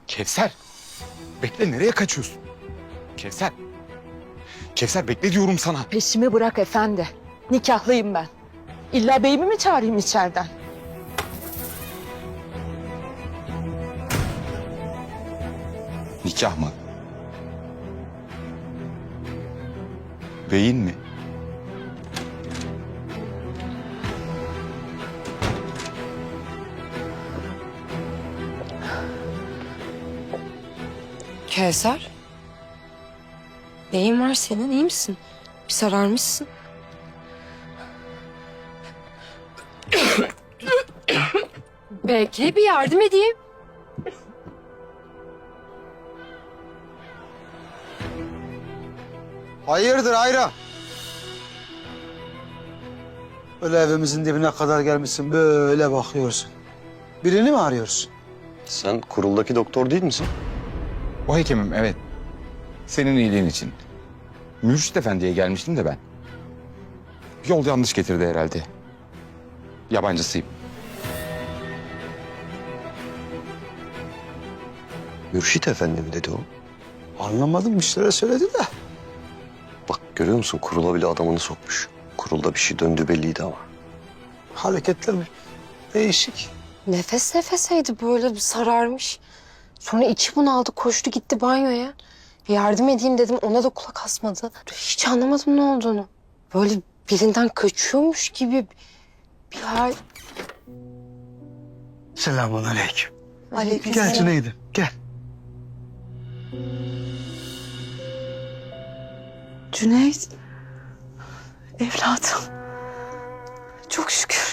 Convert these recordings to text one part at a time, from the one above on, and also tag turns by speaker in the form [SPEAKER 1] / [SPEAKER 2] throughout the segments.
[SPEAKER 1] Kevser. Bekle, nereye kaçıyorsun? Kevser. Kevser bekle diyorum sana.
[SPEAKER 2] Peşimi bırak efendi. Nikahlıyım ben. İlla beyimi mi çağırayım içeriden?
[SPEAKER 1] Nikah mı? Beyin mi?
[SPEAKER 3] Kevser. Neyin var senin? İyi misin? Bir sararmışsın. Belki bir yardım edeyim.
[SPEAKER 4] Hayırdır Ayra? Öyle evimizin dibine kadar gelmişsin, böyle bakıyorsun. Birini mi arıyorsun?
[SPEAKER 5] Sen kuruldaki doktor değil misin?
[SPEAKER 1] O hekimim, evet. Senin iyiliğin için. Mürşit Efendi'ye gelmiştim de ben. Yol yanlış getirdi herhalde. Yabancısıyım.
[SPEAKER 5] Mürşit Efendi mi dedi o?
[SPEAKER 4] Anlamadım, bir şeyler söyledi de.
[SPEAKER 5] Bak görüyor musun, kurula bile adamını sokmuş. Kurulda bir şey döndü belliydi ama.
[SPEAKER 4] Hareketler değişik.
[SPEAKER 3] Nefes nefeseydi böyle bir sararmış. Sonra içi bunaldı, koştu gitti banyoya. Yardım edeyim dedim, ona da kulak asmadı. Hiç anlamadım ne olduğunu. Böyle birinden kaçıyormuş gibi bir hal.
[SPEAKER 4] Selamünaleyküm.
[SPEAKER 3] Aleyküm
[SPEAKER 4] Gel Cüneyt'im, gel.
[SPEAKER 2] Cüneyt. Evladım. Çok şükür.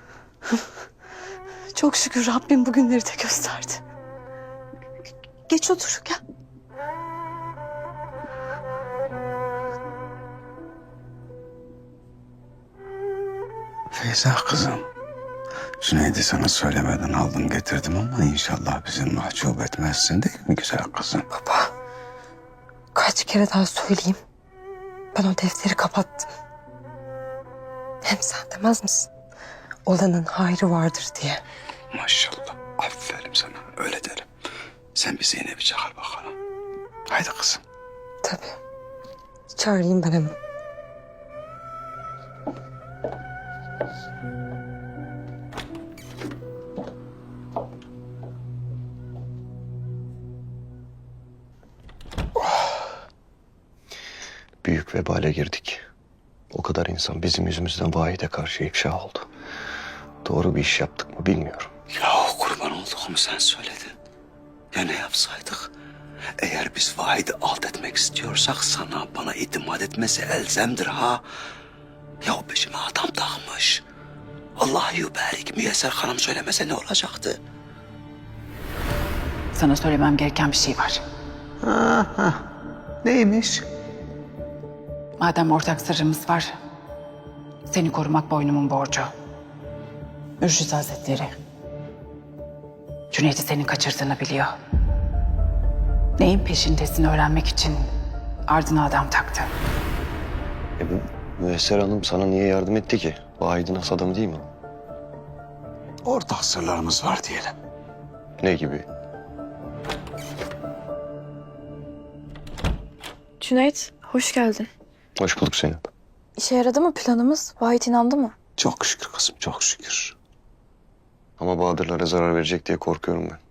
[SPEAKER 2] Çok şükür Rabbim bugünleri de gösterdi. Geç otur, gel.
[SPEAKER 6] Feyza kızım, Cüneyt'i sana söylemeden aldım getirdim ama inşallah bizi mahcup etmezsin değil mi güzel kızım?
[SPEAKER 3] Baba, kaç kere daha söyleyeyim. Ben o defteri kapattım. Hem sen demez misin? Olanın hayrı vardır diye.
[SPEAKER 6] Maşallah, aferin sana öyle derim. Sen bir Zeynep'i çağır bakalım. Haydi kızım.
[SPEAKER 3] Tabii. Çağırayım ben hemen.
[SPEAKER 5] Büyük vebale girdik. O kadar insan bizim yüzümüzden vahide karşı ifşa oldu. Doğru bir iş yaptık mı bilmiyorum.
[SPEAKER 6] Ya kurban olduğumu sen söyledin. Ya ne yapsaydık? Eğer biz Vahid'i alt etmek istiyorsak sana bana itimat etmesi elzemdir ha. Ya o peşime adam takmış. Allah yüberik Müyesser Hanım söylemese ne olacaktı?
[SPEAKER 7] Sana söylemem gereken bir şey var.
[SPEAKER 4] Neymiş?
[SPEAKER 7] Madem ortak sırrımız var, seni korumak boynumun borcu. Mürşit Hazretleri, Cüneyt'i senin kaçırdığını biliyor. Neyin peşindesin öğrenmek için ardına adam taktı.
[SPEAKER 5] Bu Müyesser Hanım sana niye yardım etti ki? Vahid'in has adamı değil mi?
[SPEAKER 6] Ortak sırlarımız var diyelim.
[SPEAKER 5] Ne gibi?
[SPEAKER 8] Cüneyt, hoş geldin.
[SPEAKER 5] Hoş bulduk Zeynep.
[SPEAKER 8] İşe yaradı mı planımız? Vahit inandı mı?
[SPEAKER 6] Çok şükür kızım, çok şükür.
[SPEAKER 5] Ama Bahadırlara zarar verecek diye korkuyorum ben.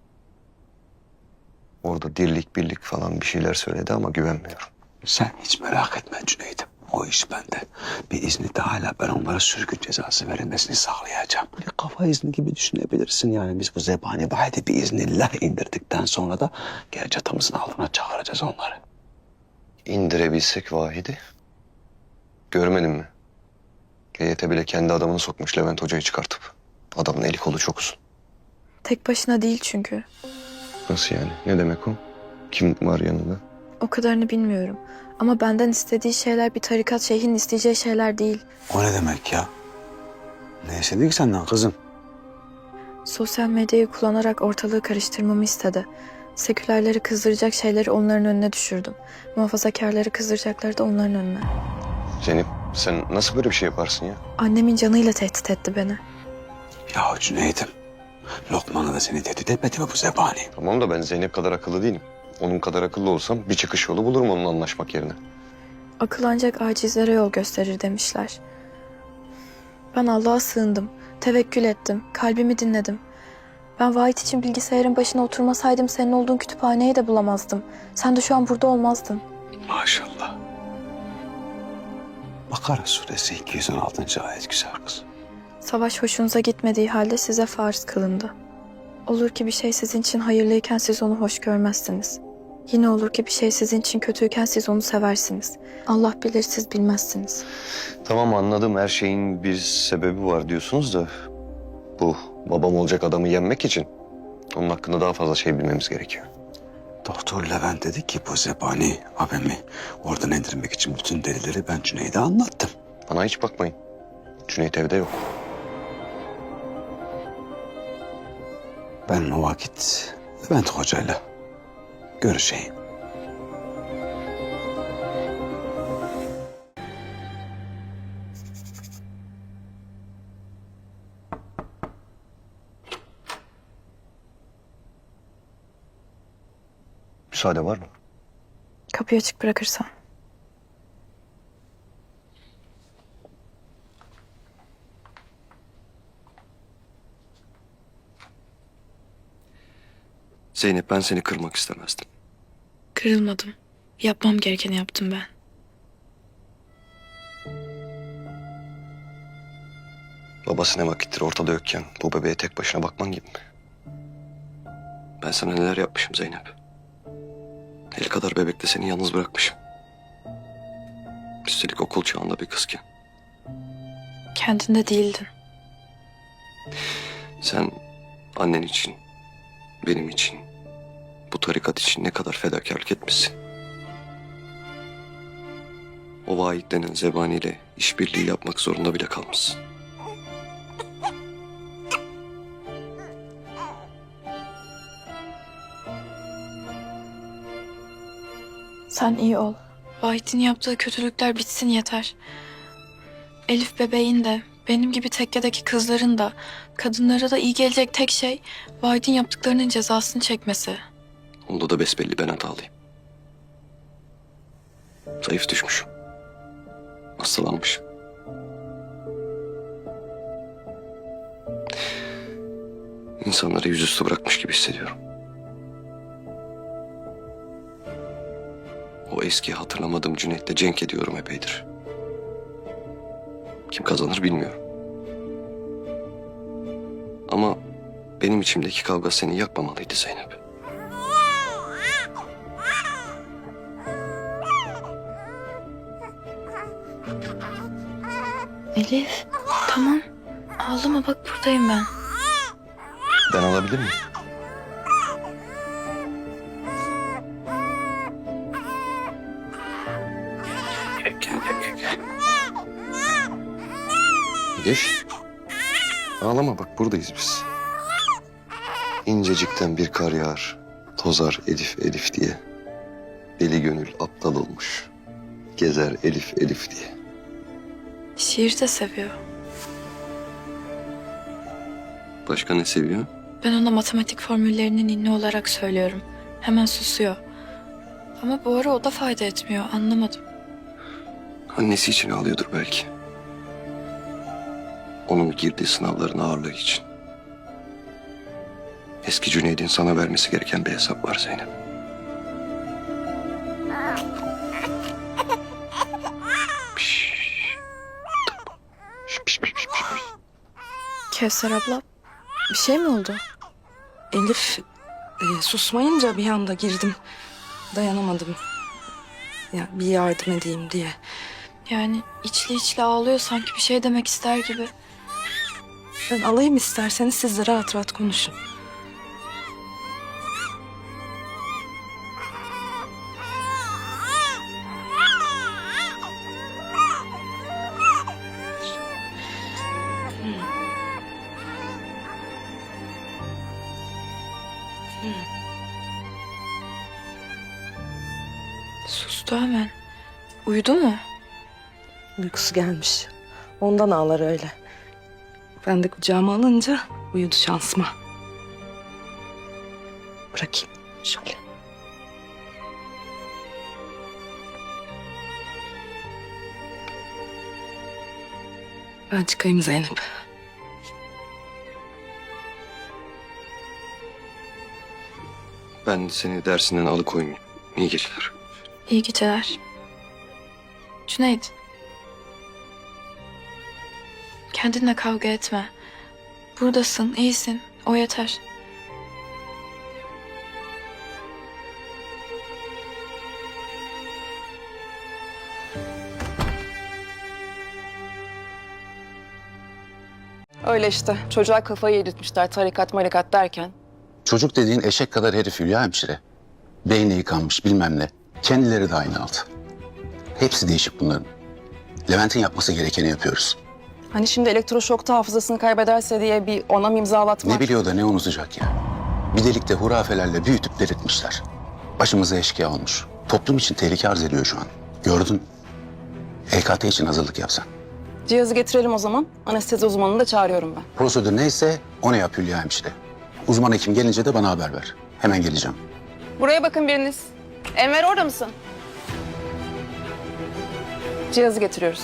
[SPEAKER 5] Orada dirlik birlik falan bir şeyler söyledi ama güvenmiyorum.
[SPEAKER 6] Sen hiç merak etme Cüneyt'im. O iş bende. Bir izni de hala ben onlara sürgün cezası verilmesini sağlayacağım. Bir kafa izni gibi düşünebilirsin yani. Biz bu zebani Vahid'i bir iznillah indirdikten sonra da gel çatımızın altına çağıracağız onları.
[SPEAKER 5] İndirebilsek Vahid'i. Görmedin mi? GYT bile kendi adamını sokmuş Levent Hoca'yı çıkartıp. Adamın eli kolu çok uzun.
[SPEAKER 8] Tek başına değil çünkü.
[SPEAKER 5] Nasıl yani? Ne demek o? Kim var yanında?
[SPEAKER 8] O kadarını bilmiyorum. Ama benden istediği şeyler bir tarikat şeyhinin isteyeceği şeyler değil.
[SPEAKER 6] O ne demek ya? Ne istedi ki senden kızım?
[SPEAKER 8] Sosyal medyayı kullanarak ortalığı karıştırmamı istedi. Sekülerleri kızdıracak şeyleri onların önüne düşürdüm. Muhafazakarları kızdıracakları da onların önüne.
[SPEAKER 5] Zeynep sen nasıl böyle bir şey yaparsın ya?
[SPEAKER 8] Annemin canıyla tehdit etti beni.
[SPEAKER 6] Ya Cüneyt'im, Lokman'a da seni tehdit etmedi mi bu zebani?
[SPEAKER 5] Tamam da ben Zeynep kadar akıllı değilim. Onun kadar akıllı olsam bir çıkış yolu bulurum onunla anlaşmak yerine.
[SPEAKER 8] Akıl ancak acizlere yol gösterir demişler. Ben Allah'a sığındım, tevekkül ettim, kalbimi dinledim. Ben Vahit için bilgisayarın başına oturmasaydım senin olduğun kütüphaneyi de bulamazdım. Sen de şu an burada olmazdın.
[SPEAKER 6] Maşallah. Bakara suresi 216. ayet güzel kız.
[SPEAKER 8] Savaş hoşunuza gitmediği halde size farz kılındı. Olur ki bir şey sizin için hayırlıyken siz onu hoş görmezsiniz. Yine olur ki bir şey sizin için kötüyken siz onu seversiniz. Allah bilir siz bilmezsiniz.
[SPEAKER 5] Tamam anladım, her şeyin bir sebebi var diyorsunuz da... Bu babam olacak adamı yenmek için onun hakkında daha fazla şey bilmemiz gerekiyor.
[SPEAKER 6] Doktor Levent dedi ki bu zebani abimi oradan indirmek için bütün delilleri ben Cüneyt'e anlattım.
[SPEAKER 5] Bana hiç bakmayın. Cüneyt evde yok.
[SPEAKER 6] Ben o vakit Levent hocayla görüşeyim.
[SPEAKER 5] Müsaade var mı?
[SPEAKER 8] Kapıyı açık bırakırsan.
[SPEAKER 5] Zeynep, ben seni kırmak istemezdim.
[SPEAKER 8] Kırılmadım. Yapmam gerekeni yaptım ben.
[SPEAKER 5] Babası ne vakittir ortada yokken bu bebeğe tek başına bakman gibi mi? Ben sana neler yapmışım Zeynep. El kadar bebekte seni yalnız bırakmışım. Üstelik okul çağında bir kızken.
[SPEAKER 8] Kendinde değildin.
[SPEAKER 5] Sen annen için, benim için, bu tarikat için ne kadar fedakarlık etmişsin. O Vahit denen zebaniyle işbirliği yapmak zorunda bile kalmışsın.
[SPEAKER 8] Sen iyi ol. Vahit'in yaptığı kötülükler bitsin yeter. Elif bebeğin de, benim gibi tekkedeki kızların da, kadınlara da iyi gelecek tek şey Vahit'in yaptıklarının cezasını çekmesi.
[SPEAKER 5] Onda da besbelli ben hatalıyım. Zayıf düşmüşüm. Hastalanmışım. İnsanları yüzüstü bırakmış gibi hissediyorum. O eski hatırlamadığım Cüneyt'le cenk ediyorum epeydir. Kim kazanır bilmiyorum. Ama benim içimdeki kavga seni yakmamalıydı Zeynep.
[SPEAKER 8] Elif, tamam. Ağlama bak buradayım ben.
[SPEAKER 5] Ben alabilir miyim? Geç. Ağlama bak buradayız biz. İncecikten bir kar yağar, tozar Elif Elif diye. Deli gönül aptal olmuş, gezer Elif Elif diye.
[SPEAKER 8] Şiir de seviyor.
[SPEAKER 5] Başka ne seviyor?
[SPEAKER 8] Ben ona matematik formüllerini ninni olarak söylüyorum. Hemen susuyor. Ama bu ara o da fayda etmiyor. Anlamadım.
[SPEAKER 5] Annesi için ağlıyordur belki. Onun girdiği sınavların ağırlığı için. Eski Cüneyd'in sana vermesi gereken bir hesap var Zeynep. Piş. Piş, piş, piş, piş.
[SPEAKER 8] Kevser abla, bir şey mi oldu?
[SPEAKER 2] Elif susmayınca bir anda girdim. Dayanamadım. Ya bir yardım edeyim diye.
[SPEAKER 8] Yani içli içli ağlıyor sanki bir şey demek ister gibi.
[SPEAKER 2] Ben alayım isterseniz siz de rahat rahat konuşun.
[SPEAKER 8] Sustu hemen. Uyudu mu?
[SPEAKER 2] Uykusu gelmiş. Ondan ağlar öyle. Ben de kucağıma alınca uyudu şansıma. bırakayım. Şöyle. Ben çıkayım Zeynep.
[SPEAKER 5] Ben seni dersinden alıkoymayayım. İyi geceler.
[SPEAKER 8] İyi geceler. Cüneyt. Kendinle kavga etme. Buradasın, iyisin. O yeter.
[SPEAKER 9] Öyle işte. Çocuğa kafayı yedirtmişler tarikat marikat derken.
[SPEAKER 10] Çocuk dediğin eşek kadar herif Hülya hemşire. Beyni yıkanmış bilmem ne. Kendileri de aynı altı. Hepsi değişik bunların. Levent'in yapması gerekeni yapıyoruz.
[SPEAKER 9] Hani şimdi elektroşokta hafızasını kaybederse diye bir onam imzalatmak.
[SPEAKER 10] Ne biliyor da ne unutacak ya. Bir delikte hurafelerle büyütüp delirtmişler. Başımıza eşkıya olmuş. Toplum için tehlike arz ediyor şu an. Gördün. EKT için hazırlık yapsan.
[SPEAKER 9] Cihazı getirelim o zaman. Anestezi uzmanını da çağırıyorum ben.
[SPEAKER 10] Prosedür neyse onu yap Hülya hemşire. Uzman hekim gelince de bana haber ver. Hemen geleceğim.
[SPEAKER 9] Buraya bakın biriniz. Enver orada mısın? Cihazı getiriyoruz.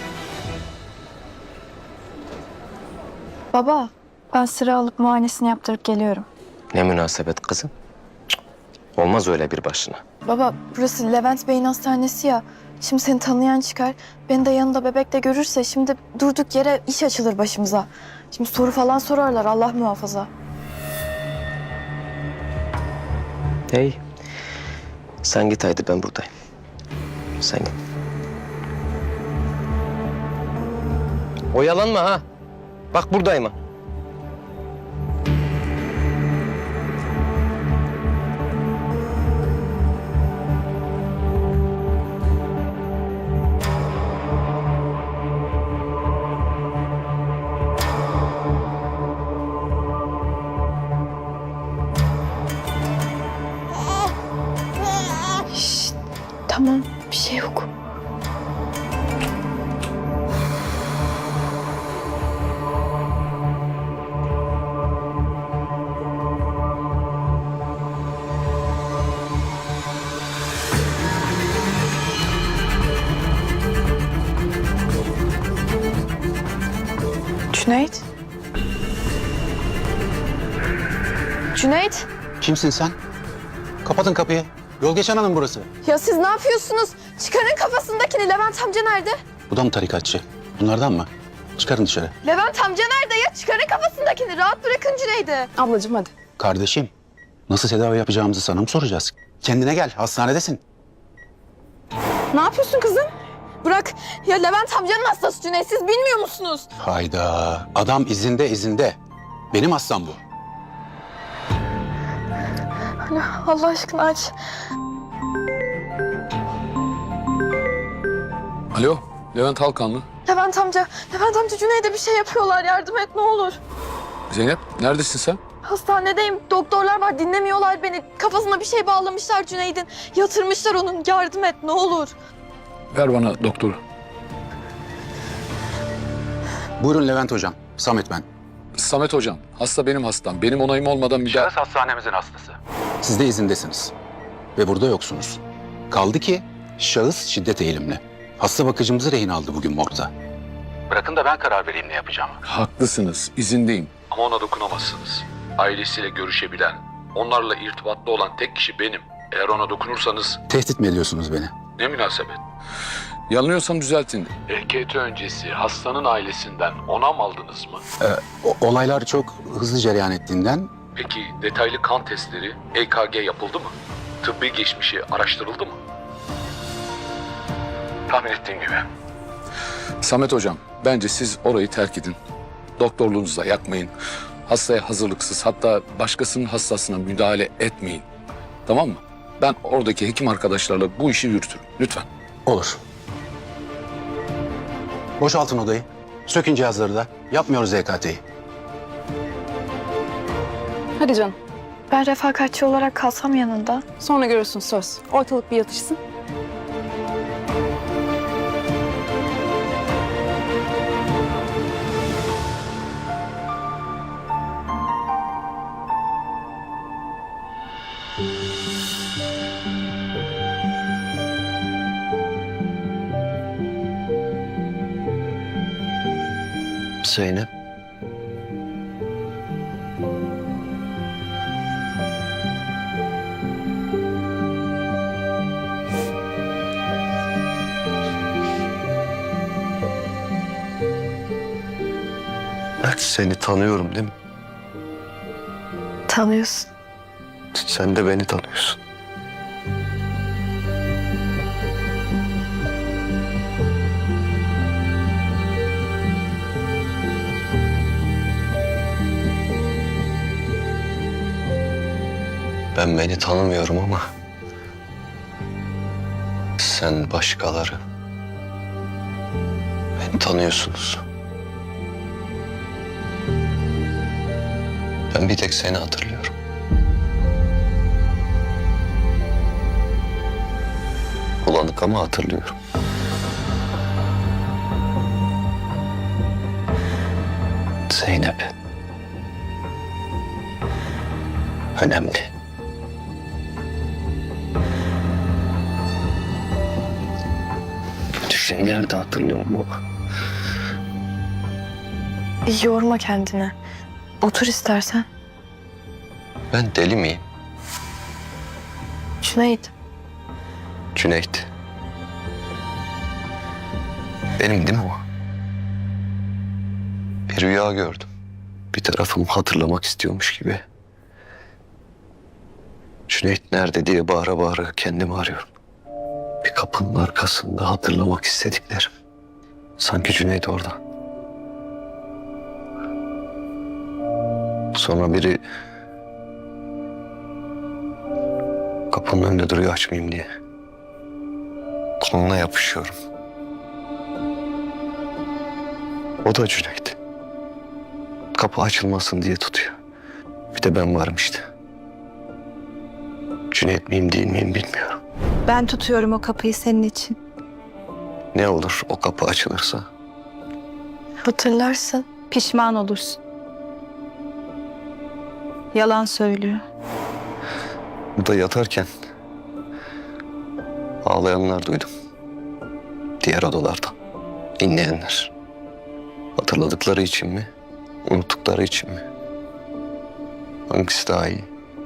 [SPEAKER 8] Baba, ben sıra alıp muayenesini yaptırıp geliyorum.
[SPEAKER 5] Ne münasebet kızım. Olmaz öyle bir başına.
[SPEAKER 8] Baba, burası Levent Bey'in hastanesi ya. Şimdi seni tanıyan çıkar. Beni de yanında bebekle görürse şimdi durduk yere iş açılır başımıza. Şimdi soru falan sorarlar, Allah muhafaza.
[SPEAKER 5] Hey. Sen git haydi, ben buradayım. Sen git. Oyalanma ha. Bak buradayım ha.
[SPEAKER 8] Tamam, bir şey yok. Cüneyt? Cüneyt?
[SPEAKER 10] Kimsin sen? Kapatın kapıyı. Yol geçen hanım burası.
[SPEAKER 8] Ya siz ne yapıyorsunuz? Çıkarın kafasındakini. Levent amca nerede?
[SPEAKER 10] Bu da mı tarikatçı? Bunlardan mı? Çıkarın dışarı.
[SPEAKER 8] Levent amca nerede ya? Çıkarın kafasındakini. Rahat bırakın Cüneyt'i.
[SPEAKER 9] Ablacığım hadi.
[SPEAKER 10] Kardeşim, nasıl tedavi yapacağımızı sana mı soracağız? Kendine gel, hastanedesin.
[SPEAKER 9] Ne yapıyorsun kızım?
[SPEAKER 8] Bırak. Ya Levent amcanın hastası Cüneyt. Siz bilmiyor musunuz?
[SPEAKER 10] Hayda, adam izinde. Benim hastam bu.
[SPEAKER 8] Allah aşkına aç.
[SPEAKER 11] Alo, Levent Halkanlı.
[SPEAKER 8] Levent amca Cüneyt'e bir şey yapıyorlar. Yardım et ne olur.
[SPEAKER 11] Zeynep, neredesin sen?
[SPEAKER 8] Hastanedeyim. Doktorlar var. Dinlemiyorlar beni. Kafasına bir şey bağlamışlar Cüneyt'in. Yatırmışlar onun. Yardım et ne olur.
[SPEAKER 11] Ver bana doktoru.
[SPEAKER 10] Buyurun Levent hocam, Samet ben.
[SPEAKER 11] Samet hocam, hasta benim hastam. Benim onayım olmadan müdahale...
[SPEAKER 10] hastanemizin hastası. Siz de izindesiniz. Ve burada yoksunuz. Kaldı ki şahıs şiddet eğilimli. Hasta bakıcımızı rehin aldı bugün morgda. Bırakın da ben karar vereyim ne yapacağımı.
[SPEAKER 11] Haklısınız, izindeyim. Ama ona dokunamazsınız. Ailesiyle görüşebilen, onlarla irtibatlı olan tek kişi benim. Eğer ona dokunursanız...
[SPEAKER 10] Tehdit mi ediyorsunuz beni?
[SPEAKER 11] Ne münasebet. Yanılıyorsam düzeltin. EKT öncesi hastanın ailesinden onam aldınız mı?
[SPEAKER 10] Olaylar çok hızlı cereyan ettiğinden
[SPEAKER 11] Peki detaylı kan testleri, EKG yapıldı mı? Tıbbi geçmişi araştırıldı mı? Tahmin ettiğim gibi. Samet hocam, bence siz orayı terk edin. Doktorluğunuzu da yakmayın. Hastaya hazırlıksız, hatta başkasının hastasına müdahale etmeyin. Tamam mı? Ben oradaki hekim arkadaşlarla bu işi yürütürüm. Lütfen.
[SPEAKER 10] olur. Boşaltın odayı. Sökün cihazları da. Yapmıyoruz EKT'yi.
[SPEAKER 9] Hadi canım.
[SPEAKER 8] Ben refakatçi olarak kalsam yanında.
[SPEAKER 9] Sonra görürsün söz. Ortalık bir yatışsın.
[SPEAKER 5] Zeynep. Ben seni tanıyorum değil mi?
[SPEAKER 8] Tanıyorsun.
[SPEAKER 5] Sen de beni tanıyorsun. Ben beni tanımıyorum ama sen başkaları beni tanıyorsunuz. Ben bir tek seni hatırlıyorum. Bulanık ama hatırlıyorum. Zeynep. Önemli. Kötü şeyler de hatırlıyorum baba.
[SPEAKER 8] Yorma kendini. Otur istersen.
[SPEAKER 5] Ben deli miyim?
[SPEAKER 8] Cüneyt.
[SPEAKER 5] Cüneyt. Benim değil mi o? Bir rüya gördüm. Bir tarafım hatırlamak istiyormuş gibi. Cüneyt nerede diye bağıra bağıra kendimi arıyorum. Bir kapının arkasında hatırlamak istediklerim. Sanki Cüneyt orada. Sonra biri kapının önünde duruyor açmayayım diye. Koluna yapışıyorum. O da Cüneyt. Kapı açılmasın diye tutuyor. Bir de ben varım işte. Cüneyt miyim değil miyim bilmiyorum.
[SPEAKER 2] Ben tutuyorum o kapıyı senin için.
[SPEAKER 5] Ne olur o kapı açılırsa?
[SPEAKER 8] Hatırlarsın.
[SPEAKER 2] Pişman olursun. Yalan söylüyor.
[SPEAKER 5] Burada yatarken ağlayanlar duydum. Diğer odalarda. İnleyenler. Hatırladıkları için mi? Unuttukları için mi? Hangisi daha iyi?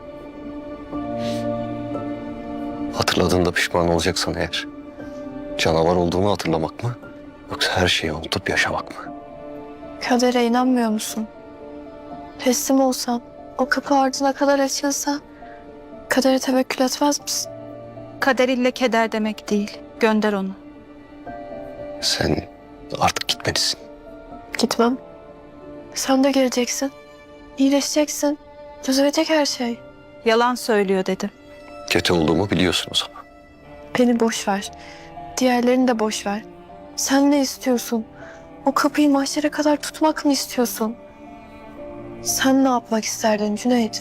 [SPEAKER 5] Hatırladığında pişman olacaksan eğer, canavar olduğunu hatırlamak mı? Yoksa her şeyi unutup yaşamak mı?
[SPEAKER 8] Kadere inanmıyor musun? Teslim olsan, o kapı ardına kadar açılsa, kadere tevekkül etmez misin?
[SPEAKER 2] Kader ille keder demek değil. Gönder onu.
[SPEAKER 5] Sen artık gitmelisin.
[SPEAKER 8] Gitmem. Sen de geleceksin. İyileşeceksin. Düzelecek her şey.
[SPEAKER 2] Yalan söylüyor dedim.
[SPEAKER 5] Kötü olduğumu biliyorsunuz ama.
[SPEAKER 8] Beni boş ver. Diğerlerini de boş ver. Sen ne istiyorsun? O kapıyı mahşere kadar tutmak mı istiyorsun? Sen ne yapmak isterdin Cüneyt?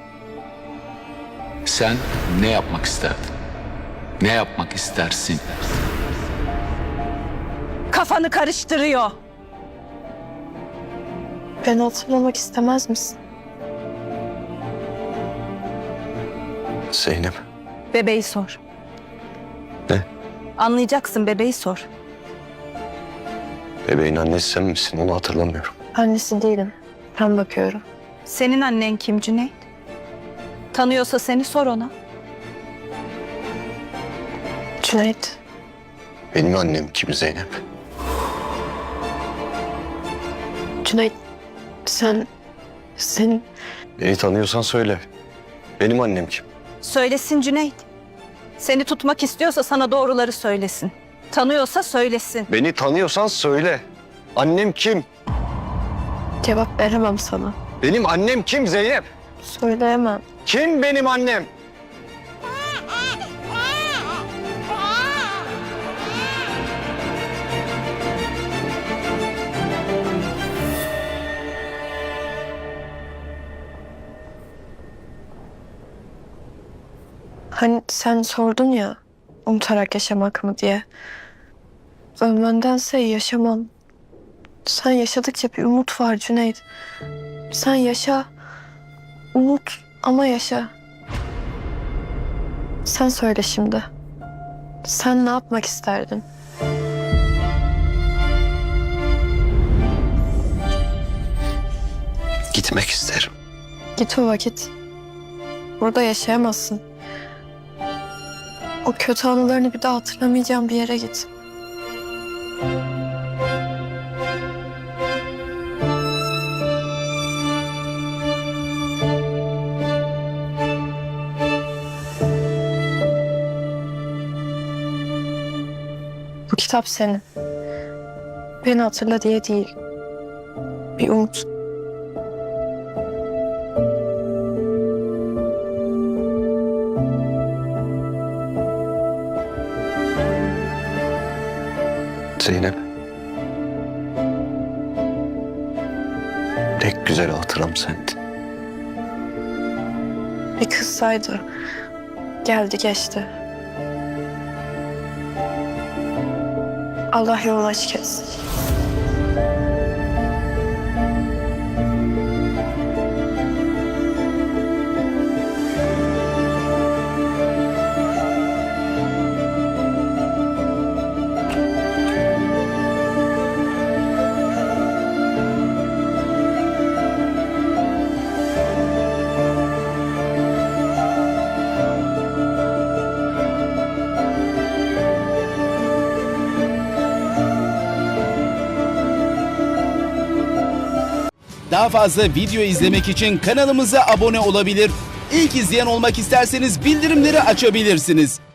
[SPEAKER 11] Sen ne yapmak isterdin? Ne yapmak istersin?
[SPEAKER 2] Kafanı karıştırıyor.
[SPEAKER 8] Beni hatırlamak istemez misin?
[SPEAKER 5] Zeynep.
[SPEAKER 2] Bebeği sor.
[SPEAKER 5] Ne?
[SPEAKER 2] Anlayacaksın, bebeği sor.
[SPEAKER 5] Bebeğin annesi sen misin? Onu hatırlamıyorum.
[SPEAKER 8] Annesi değilim. Ben bakıyorum.
[SPEAKER 2] Senin annen kim Cüneyt? Tanıyorsa seni sor ona.
[SPEAKER 8] Cüneyt.
[SPEAKER 5] Benim annem kim Zeynep?
[SPEAKER 8] Cüneyt. Sen
[SPEAKER 5] Beni tanıyorsan söyle. Benim annem kim?
[SPEAKER 2] Söylesin Cüneyt. Seni tutmak istiyorsa sana doğruları söylesin. Tanıyorsa söylesin.
[SPEAKER 5] Beni tanıyorsan söyle. Annem kim?
[SPEAKER 8] cevap veremem sana.
[SPEAKER 5] Benim annem kim Zeynep?
[SPEAKER 8] Söyleyemem.
[SPEAKER 5] Kim benim annem?
[SPEAKER 8] Hani sen sordun ya, unutarak yaşamak mı diye. Ölmendense yaşamam. Sen yaşadıkça bir umut var Cüneyt. Sen yaşa, unut ama yaşa. Sen söyle şimdi. Sen ne yapmak isterdin?
[SPEAKER 5] Gitmek isterim.
[SPEAKER 8] Git o vakit. Burada yaşayamazsın. O kötü anılarını bir daha hatırlamayacağım bir yere git. Bu kitap senin. Beni hatırla diye değil. Bir umut.
[SPEAKER 5] Zeynep. Tek güzel hatıram sendin.
[SPEAKER 8] Bir kızsaydı. Geldi geçti. Allah yolunu açık etsin.
[SPEAKER 12] Daha fazla video izlemek için kanalımıza abone olabilir. İlk izleyen olmak isterseniz bildirimleri açabilirsiniz.